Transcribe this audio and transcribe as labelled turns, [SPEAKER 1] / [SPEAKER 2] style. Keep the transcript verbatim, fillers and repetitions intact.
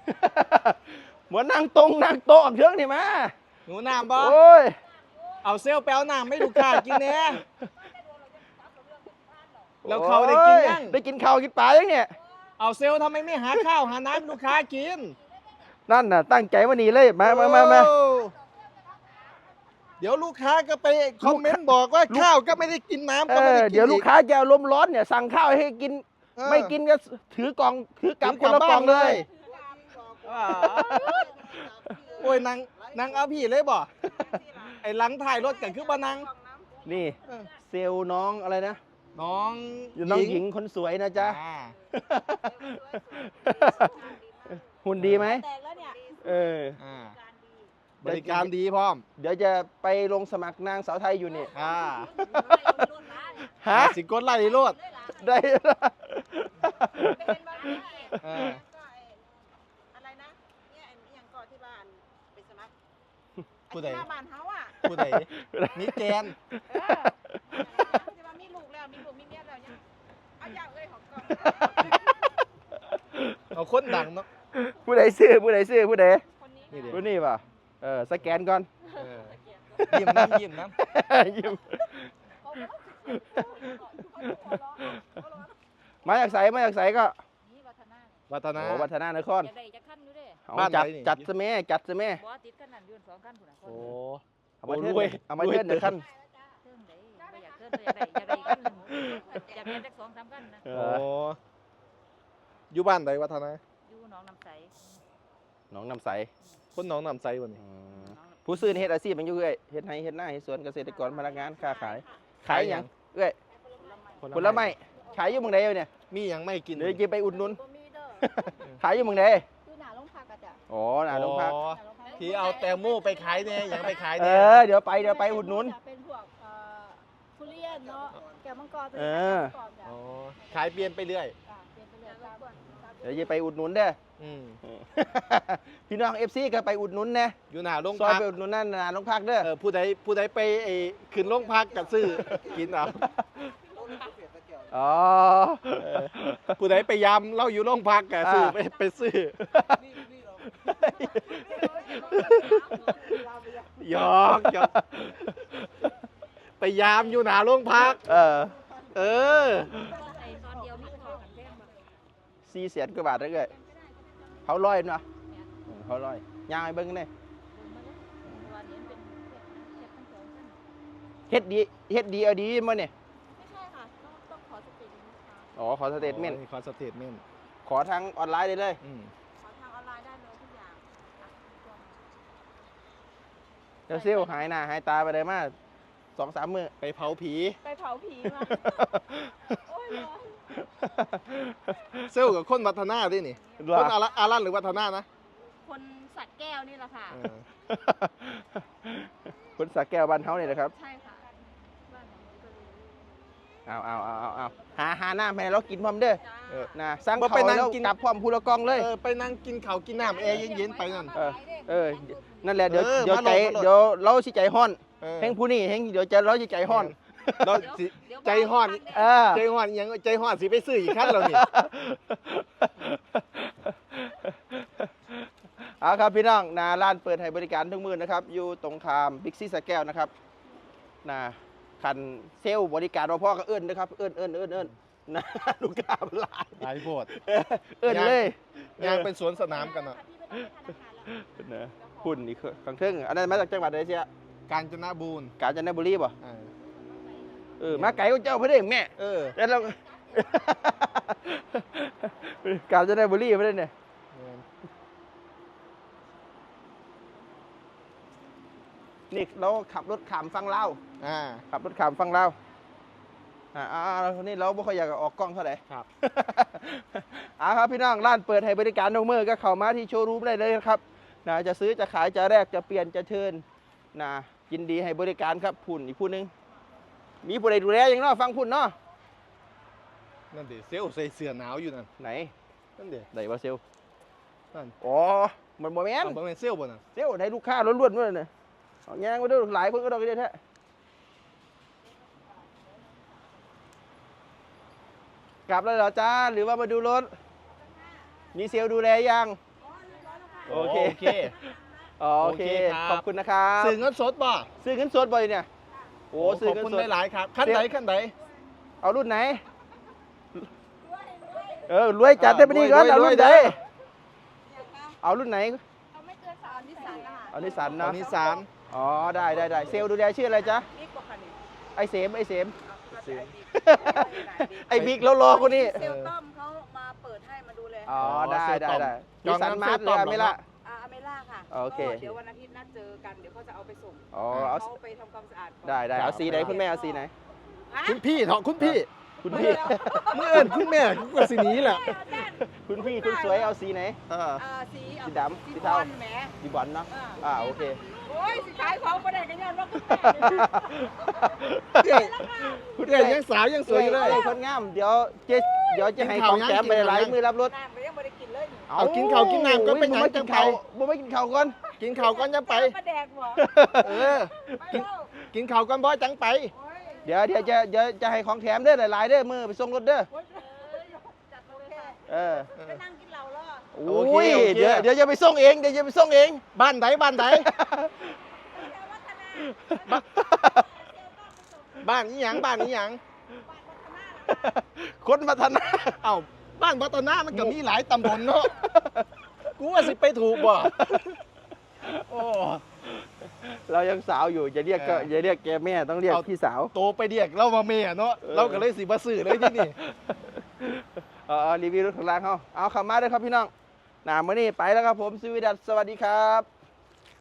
[SPEAKER 1] เหมือนนั่งตรงนั่งโต๊ะเชิงนี่มา
[SPEAKER 2] หนูน้ำบ่
[SPEAKER 1] โอ้ย
[SPEAKER 2] เอาเซลล์แปลวน้ำไม่ลูกค้ากินแน่แล้วเขาได้กินยัง
[SPEAKER 1] ได้กินข้าวกินปลายังเนี่ย
[SPEAKER 2] เอาเซลล์ทำไมไม่หาข้าวหาน้ำลูกค้ากิน
[SPEAKER 1] นั่นน่ะตั้งใจมานี่เลยมามามามา
[SPEAKER 2] เดี๋ยวลูกค้าก็ไปคอมเมนต์บอกว่าข้าวก็ไม่ได้กินน้ำก็ไม่ได้กิน
[SPEAKER 1] เดี๋ยวลูกค้าจะอารมณ์ร้อนเนี่ยสั่งข้าวให้กินไม่กินก็ถือกล่องถือกลับคนละกล่องเลย
[SPEAKER 2] โอ้ยนางนางเอาพี่เลยบ่ไอ้หลังถ่ายรถกันคือบ่นาง
[SPEAKER 1] นี่เซลล์น้องอะไรนะ
[SPEAKER 2] น้อง
[SPEAKER 1] น้องหญิงคนสวยนะจ๊ะหุ่นดีไหมเออบ
[SPEAKER 2] ริการดีพร้อม
[SPEAKER 1] เดี๋ยวจะไปลงสมัครนางสาวไทยอยู่นี่
[SPEAKER 2] อ่า
[SPEAKER 1] ฮะ
[SPEAKER 2] สิกดไล่โลด
[SPEAKER 1] ได้
[SPEAKER 3] อะไรนะเนี่ยอย่างก่อนที่บ้านไปสมัคร
[SPEAKER 2] ผู้ใด
[SPEAKER 3] บ้านเฮาอ่ะ
[SPEAKER 2] ผู้ใดมีแกน
[SPEAKER 3] ที่ว่ามีลูกแล้วมีลูกมีเมียแล้วยังเอาอย่างเลยของก่อน
[SPEAKER 2] เอาคนดังเนาะ
[SPEAKER 1] ผู้ใดซื้อผู้ใดซื้อผู้ใดผู้นี้ป่ะเออสแกนก่อน
[SPEAKER 2] ยิ้มน้ำยิ้มน้ำ
[SPEAKER 1] ยิ้มมาจากใสมาจากใสก็
[SPEAKER 2] วัฒนา
[SPEAKER 1] วัฒนานคร
[SPEAKER 2] บ้าน
[SPEAKER 1] จัดจัดสมัยจัดสมัยโอ้เอามาเทินเอามาเทินเดี๋ยวขั้น
[SPEAKER 2] โอ้อยู่บ้านไหนวัฒนา
[SPEAKER 3] อยู่หนองน้ำใส
[SPEAKER 1] หนองน้ำใส
[SPEAKER 2] คนหนองน้ำใสวันนี้
[SPEAKER 1] ผู้ซื้อเฮ็ดอาชีพมันอยู่เอ้ยเฮ็ดไร่เฮ็ดนาเฮ็ดสวนเกษตรกรพนักงานค้าขายขายอย่างเอ้ยผลไม้ขายอยู่เมืองใดเนี่ย
[SPEAKER 2] มีอย่างไม่กิน
[SPEAKER 1] เดี๋ยวจะไปอุดหนุนขายอยู่เมืองใด
[SPEAKER 3] คือหนาลงพักอะจ้ะ
[SPEAKER 1] อ๋อหนาลงพัก
[SPEAKER 2] ที่เอาแตงโมไปขายเนี่ยอย่างไปขาย
[SPEAKER 1] เอ
[SPEAKER 2] เนี่ย
[SPEAKER 1] อเดี๋ยวไปเดี๋ยวไปอุดหนุน
[SPEAKER 3] เป็นพวกทุเรียนเนาะแก้วมังกร
[SPEAKER 1] เออ
[SPEAKER 2] ขายเปลี่ยนไปเรื่อย
[SPEAKER 1] เดี๋ยวจะไปอุดหนุนเด้อพี่น้องเอฟซีก็ไปอุดหนุนนะ
[SPEAKER 2] อยู่หน้าโรง
[SPEAKER 1] พักซ
[SPEAKER 2] อย
[SPEAKER 1] ไปอุดหนุนนั่นหน้าโรงพักเด้อ
[SPEAKER 2] ผู้ใดผู้ใดไปขึ้นโรงพักกับซื้อกินเอา
[SPEAKER 1] อ๋อ
[SPEAKER 2] ผู้ใดไปยามเล่าอยู่โรงพักกับซื้อไปไปซื้อหยอกหยอกไปยามอยู่หน้าโรงพัก
[SPEAKER 1] เออ
[SPEAKER 2] เออ
[SPEAKER 1] สี่แสนกว่าบาทได้เลยเขาลอยเนาะเขาลอยย่างไอ้เบิ้งนี่เฮ็ดดีเฮ็ดดีเอาดีมั้ยเนี่ย
[SPEAKER 3] ไม่ใช่ค่ะต้องขอสเตทเมนต์
[SPEAKER 1] อ๋อขอสเตทเมนต์
[SPEAKER 2] ขอสเตทเมนต์
[SPEAKER 1] ขอทางออนไลน์ได้เลย
[SPEAKER 3] ขอทางออนไลน์ได้เลยทุกอย่าง
[SPEAKER 1] เดี๋ยวซิลหายหน้าหายตาไปเลยมาสองสามมื้อ
[SPEAKER 2] ไปเผาผี
[SPEAKER 3] ไปเผาผีมาโอ้ย
[SPEAKER 2] เซลกับคนวัฒนาดินี่คนอารันหรือวัฒนานะ
[SPEAKER 3] คนสัตว์แก้วนี่แหละค่ะ
[SPEAKER 1] คนสักแก้วบ้านเขาเนี่ยนะครับ
[SPEAKER 3] ใช่ค่ะบ้าน
[SPEAKER 1] เอาเอาเอาเอาเอาหาหาหน้าแม่เรากินพร้อมเด้อนะสั่งเขาแล้วกลับพร้อมพูละกองเลย
[SPEAKER 2] ไปนั่งกินข้าวกินน้ำแอร์เย็นๆไปนั่น
[SPEAKER 1] เออนั่นแหละเดี๋ยวเดี๋ยวใจเดี๋ยวเราสิใจห้อนแห่งผู้นี้แห่งเดี๋ยวจะเราจะใจห้อน
[SPEAKER 2] เราใจห้อนใจห้อนยังใจห้อนสิไปซื้ออีกครั้งเรานี่
[SPEAKER 1] เอาครับพี่น้องนาร้านเปิดให้บริการทุกมื้อนะครับอยู่ตรงข้ามบิ๊กซีสแก้วนะครับนาคันเซลล์บริการรอพ่อก็เอื้อนนะครับเอื้อนเอื้อนเอื้อนเอื้อนนะลูกค้าหลาย
[SPEAKER 2] หลายโพด
[SPEAKER 1] เอื้อนเลย
[SPEAKER 2] ยางเป็นสวนสนามกันเนาะ
[SPEAKER 1] นะหุ่นอีกครั้งเทิงอันนั้นมาจากจังหวัดอะไรเชีย
[SPEAKER 2] กาญจนบุรี
[SPEAKER 1] กาญจนบุรีป่ะเออมาไก่ก็เจ้าเพื่อนแม่
[SPEAKER 2] เออ
[SPEAKER 1] แล้วเรากาญจนบุรีเพื่อนเนี่ยนี่เราขับรถขามฟังเล่าขับรถขามฟังเล่าอ่าอ่านี่เราไม่ค่อยอยากออกกล้องเท่าไหร่
[SPEAKER 2] ครับ
[SPEAKER 1] อ่าครับพี่น้องร้านเปิดให้บริการทุกมื้อก็เข้ามาที่โชว์รูมได้เลยครับนะจะซื้อจะขายจะแลกจะเปลี่ยนจะเทิร์นนะยินดีให้บริการครับพุ่นอีกผู้นึงมีผู้ใดดูแลอย่างน้อฟังพุ่นเนาะ
[SPEAKER 2] นั่นเดี๋ยวเซลใส่เสื้อหนาวอยู่นั่น
[SPEAKER 1] ไหน
[SPEAKER 2] นั่นเดี๋ยว
[SPEAKER 1] ไหนวะเซล
[SPEAKER 2] นั่น
[SPEAKER 1] อ๋อมันบ่แม่น
[SPEAKER 2] บ่แม่นเซลบ่น่ะ
[SPEAKER 1] เซลให้ลูกค้าล้วนๆด้วยเนี่ยเอาแย่งมาด้วยหลายคนก็ดอกเดียวแท้กลับแล้วเหรอจ้าหรือว่ามาดูรถมีเซลดูแลยังโอเค
[SPEAKER 2] โอเค
[SPEAKER 1] อ๋อโอเค
[SPEAKER 2] โอเคครับ
[SPEAKER 1] ขอบคุณนะครับ
[SPEAKER 2] ซื้อเงินสดบ่
[SPEAKER 1] ซื้อเงินสดบ่อยเนี่ยโอ้ซื้อ
[SPEAKER 2] ขอบ
[SPEAKER 1] เงิน
[SPEAKER 2] คุณ
[SPEAKER 1] สด
[SPEAKER 2] หลายๆครับขั้นไหนขั้นไหน
[SPEAKER 1] เอารุ่นไหนเออรวยจัดได้ไปดีก่อน
[SPEAKER 2] รวย
[SPEAKER 1] เอา
[SPEAKER 2] รวย
[SPEAKER 1] รุ่นไหน
[SPEAKER 2] เด้อ
[SPEAKER 1] เอารุ่นไหน
[SPEAKER 3] เอาไม่เกินสามนิสสันนะคะ
[SPEAKER 1] เอานิสสัน
[SPEAKER 2] ตอ
[SPEAKER 1] เนาะ
[SPEAKER 2] นนี้สาม
[SPEAKER 1] อ๋อได้ได้ได้เซลล์ดูแลชื่ออะไรจ๊ะ
[SPEAKER 3] นี่กว่าคันนี้
[SPEAKER 1] ไอเสมไอเสม
[SPEAKER 3] เอาคือว่าจะไอ้บิ๊ก
[SPEAKER 1] ไอบิ๊กแล้วรอคนนี้
[SPEAKER 3] เซลต้อมเขามาเปิดให้มาดูแล
[SPEAKER 1] อ๋อได้ได้ได้
[SPEAKER 2] จ
[SPEAKER 1] นิ
[SPEAKER 2] อ
[SPEAKER 1] ส
[SPEAKER 2] ง
[SPEAKER 1] สัน
[SPEAKER 2] น้ำ
[SPEAKER 1] มาร์ท
[SPEAKER 2] เซลล์
[SPEAKER 1] เลย
[SPEAKER 2] ต้อม
[SPEAKER 1] อะไม่ละ
[SPEAKER 3] อ่าอเมล่าค่ะ
[SPEAKER 1] โอเค
[SPEAKER 3] ก็เดี๋ยววันอาทิตย์นัดเจอกัน เดี๋ยวเขาจะเอาไปส่ง
[SPEAKER 1] อ๋อเอา
[SPEAKER 3] เขาไปทำความสะอาดก่อน
[SPEAKER 1] ได้ได้เอาสีไหนคุณแม่เอาสีไหน
[SPEAKER 3] ฮะ
[SPEAKER 2] คุณพี่เถอะคุณพี่
[SPEAKER 1] คุณพี่
[SPEAKER 2] เมื่อเอิญคุณแม่ก็สีนี้แหละ
[SPEAKER 3] เอาด้าน
[SPEAKER 1] คุณพี่คุณสวยเอาสีไหน
[SPEAKER 2] เออ
[SPEAKER 3] อ่าสีเอา
[SPEAKER 1] สีดำ
[SPEAKER 3] สี
[SPEAKER 1] สี
[SPEAKER 3] บ
[SPEAKER 1] เทา
[SPEAKER 3] อลแหม
[SPEAKER 1] ดีบอลเนาะอ่าโอเค
[SPEAKER 3] โอ้ยสิขายของประเด็นกันยันว่าคุณแม่
[SPEAKER 2] เอ้ยคุณเอ้ยยังสาวยังสวยอยู่เลย
[SPEAKER 1] อ้คนงามเดี๋ยวเจ๊เดี๋ยวจะให้
[SPEAKER 2] กิน
[SPEAKER 1] ข
[SPEAKER 2] ข้าว
[SPEAKER 1] อง
[SPEAKER 2] ยัง
[SPEAKER 1] แถมไป
[SPEAKER 2] กินข้าว
[SPEAKER 1] หลาย
[SPEAKER 2] ยัง
[SPEAKER 1] มือรับรถ
[SPEAKER 3] น้ำก็ยังไม่ได้กินเลยนี่
[SPEAKER 2] เอากินข้าวกินน้ำก็ไป
[SPEAKER 1] โอ้ย
[SPEAKER 2] ไหน
[SPEAKER 1] บ่มา
[SPEAKER 2] จั
[SPEAKER 1] กิ
[SPEAKER 2] ง
[SPEAKER 1] น
[SPEAKER 2] ไป
[SPEAKER 1] ข้าวบ่มากินข้าวก่อน
[SPEAKER 2] กินข้าวก่อนจะไป
[SPEAKER 3] ประแดกหัว
[SPEAKER 2] เออ
[SPEAKER 3] ไปแล้ว
[SPEAKER 2] กินข้าวก่อนบ่จังไป
[SPEAKER 3] โอ้ย
[SPEAKER 1] เดี๋ยวเดี๋ยวจะเดี๋ยวจะให้ของแถมเด้อหลายๆเด้อมือไปส่งรถเด้อ
[SPEAKER 3] โอ้ยจัดมาเลยค่ะ
[SPEAKER 1] เออ
[SPEAKER 3] ไปนั่งกินเหล้าแล้ว
[SPEAKER 1] โอ้ยเดี๋ยวเดี๋ยวจะไปส่งเองเดี๋ยวจะไปส่งเอง
[SPEAKER 2] บ้านไหนบ้านไหน
[SPEAKER 3] บ้าน
[SPEAKER 2] บ้านนี้หยังบ้านนี้หยัง
[SPEAKER 1] คนพัฒนา
[SPEAKER 2] เอ้าบ้านพัฒนามันก็มีหลายตำบลเนาะกูว่าสิไปถูกบ่โอ้
[SPEAKER 1] เรายังสาวอยู่อย่าเรียกก็
[SPEAKER 2] เออ
[SPEAKER 1] อย่าเรียกแกแม่ต้องเรียก
[SPEAKER 2] เอา
[SPEAKER 1] พี่สาว
[SPEAKER 2] โตไปเรียกเรามาเมียเนาะ
[SPEAKER 1] เออ
[SPEAKER 2] เราก็เลยสิบ่ซื้อเลยที่นี่
[SPEAKER 1] เออรีวิวรถของร้านเขาเอาเข้ามาเลยครับพี่น้องหนามื่อนี้ไปแล้วครับผมสวีดัสสวัสดีครับ